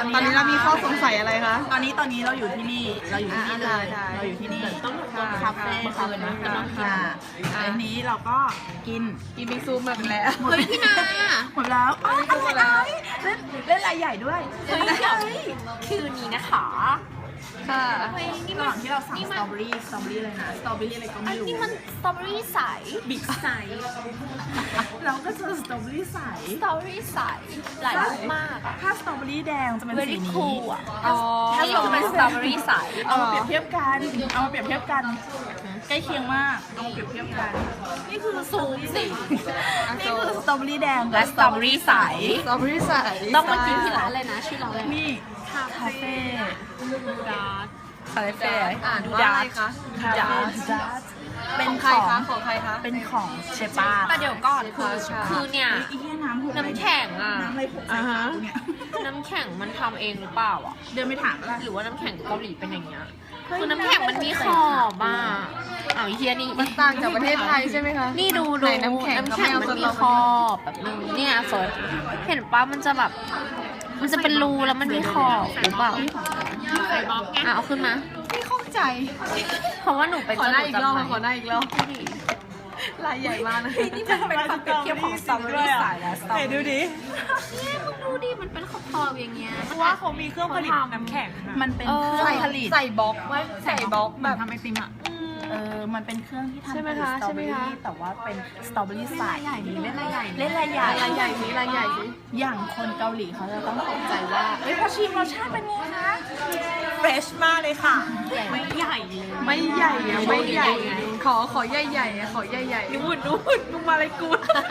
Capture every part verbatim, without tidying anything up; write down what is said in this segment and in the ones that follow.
อนนี้เรามีข้อสงสัยอะไรคะตอนนี้ตอนนี้เราอยู่ที่นี่เราอยู่ที่นี่เลยเราอยู่ที่นี่คาเฟ่คาเฟ่นะค่ะอันนี้เราก็กินกินบิงซูมาไปแล้วหมดพี่นาหมดแล้วอ๋ออะไรเล่นเล่นรายใหญ่ด้วยเฮ้ยคืนนี้นะคะค่ะนี่ระหว่างที่เราสั่งสตรอเบอรี่สตรอเบอรี่เลยนะสตรอเบอรี่อะไรก็ไม่รู้นี่มันสตรอเบอรี่ใสบิ๊กไซส์เราก็เจอสตรอเบอรี่ใสสตรอเบอรี่ใสหลายรูปมากอะถ้าสตรอเบอรี่แดงจะเป็นสี very นี้ cool อะอ๋อถ้าเราเป็นสตรอเบอรี่ใสเอามาเปรียบเทียบกันเอามาเปรียบเทียบกันใกล้เคียงมากเอามาเปรียบเทียบกันนี่คือซูมสินี่คือสตรอเบอรี่แดงและสตรอเบอรี่ใสสตรอเบอรี่ใส่ต้องมากินที่ร้านเลยนะชื่อร้านอะไรนี่คาเฟ่ดาร์คาเฟ่อ่านว่าอะไรคะดาร์เป็นของขใครองคะของใครคะเป็นของเชฟป้าแต่เดี๋ยวก่อนคือใช่คือเนี่ยอีเหี้ยน้ำหกน้ำแข็งอะน้ำอะไรหกใส่ขากูเนี่ยน้ำแข็งมันทำเองหรือเปล่าอ่ะเดินไปถามแล้วหรือว่าน้ำแข็งเกาหลีเป็นอย่างเงี้ยคือน้ำแข็งมันมีขอบอ่ะเอาไอ้เฮียนี่มันต่างจากประเทศไทยใช่ไหมคะนี่ดูดูไหนน้ำแข็งน้ำแข็งมันมีขอบแบบนึงเนี่ยเฟิร์สเห็นป้ามันจะแบบ มันจะเป็นรูแล้วมันมีขอบหรือเปล่าอ่ะเอาขึ้นมาไม่เข้าใจเพราะว่าหนูเป็นขอได้อีกรอบจมูขอได้อีกรอบลายใหญ่มากนะนี่มันเป็นความเปรียบเทียบของสตรอเบอรี่สายและสตรอเบอรี่ดูดิเนี่ยคุณดูดิมันเป็นขอบๆอย่างเงี้ยเพราะว่าเขามีเครื่องผลิตน้ำแข็งมันเป็นเครื่องใส่ผลิตใส่บล็อกไว้ใส่บล็อกแบบทำไอติมอ่ะเออมันเป็นเครื่องที่ทำใช่ไหมคะสตรอเบอใช่ไหมรี่คะแต่ว่าเป็นสตรอเบอรี่ใส่ใหญ่นี้เล่นอะไรใหญ่เล่นรายใหญ่ลายใหญ่สิลายใหญ่สิอย่างคนเกาหลีเขาจะต้องตกใจว่าเอ้ยพอชิมรสชาติเป็นไงคะเฟรชมากเลยค่ะไม่ใหญ่เลยไม่ใหญ่อะไม่ใหญ่อะขอขอใหญ่ใหญ่ๆอะขอใหญ่ใหญ่ๆนู่นนู่นมึงมาอะไรกู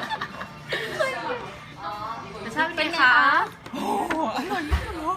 รสชาติเป็นไงคะโอ้โหอร่อยมากเลย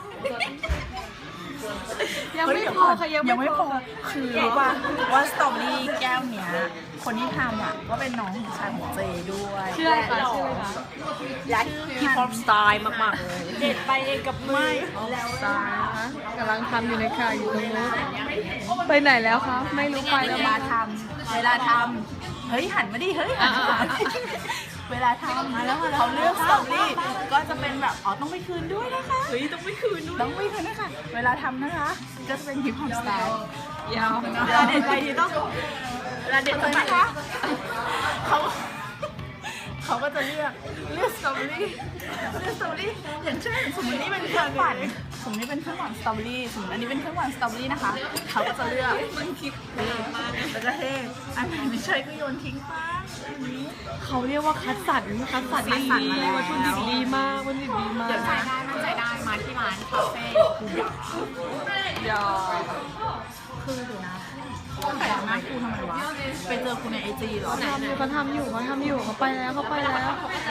ยังไม่พอค่ะยังยังไม่ไม่พพออคือรู้ว่าว่าสตรอเบอรี่แก้วเนี้ยคนที่ทำอ่ะก็เป็นน้องของชายของเจด้วยชื่ออะไรคะชื่ออะไรคะและฮิปฮอปสไตล์มากๆเลยเด็ดไปเองกับมือแล้วตายนะคะกำลังทำอยู่ในค่ะอยู่ตรงนู้นไปไหนแล้วคะไม่รู้ไปเวแล้วลามาทำเวลาทำเฮ้ยหันมาดิเฮ้ยหันมาเวลาทำมาแล้วเขาเลือกสตรอเบอรี่ก็จะเป็นแบบอ๋อต้องไปคืนด้วยนะคะเฮ้ยต้องไปคืนด้วยต้องไปคืนนะคะเวลาทำนะคะก็จะเป็นฮิปฮอปสไตล์ยาวเวลาเด็ดไปดีต้องเวลาเด็ดไปนะคะเขาเขาก็จะเลือกเลือกสตรอเบอรี่เลือกสตรอเบอรี่อย่างเช่นสมมตินี่เป็นเครื่องปั่นสมมตินี่เป็นเครื่องปั่นสตรอเบอรี่สมมติอันนี้เป็นเครื่องปั่นสตรอเบอรี่นะคะเขาก็จะเลือกมันคิดแล้วก็เทอันไหนไม่ใช่ก็โยนทิ้งไปอันนี้เขาเรียกว่าคัดสรรคัดสรรคัดสรรดีมาแล้ววัตถุดิบดีมากวัตถุดิบดีมากเดี๋ยวใจได้มั่นใจได้มาที่ร้านคาเฟ่กูอยากยาวคือเดี๋ยวนะแต่หน้ากูทำไมวะไปเจอกูในไอจีเหรอทำอยู่เขาทำอยู่เขาทำอยู่เขาไปแล้วเขาไปแล้ว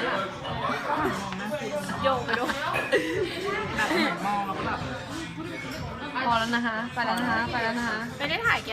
โยกไปด้วยแบบเหมือนมองแล้วก็แบบพอแล้วนะคะ ไปแล้วนะคะ ไปแล้วนะคะไม่ได้ถ่ายแก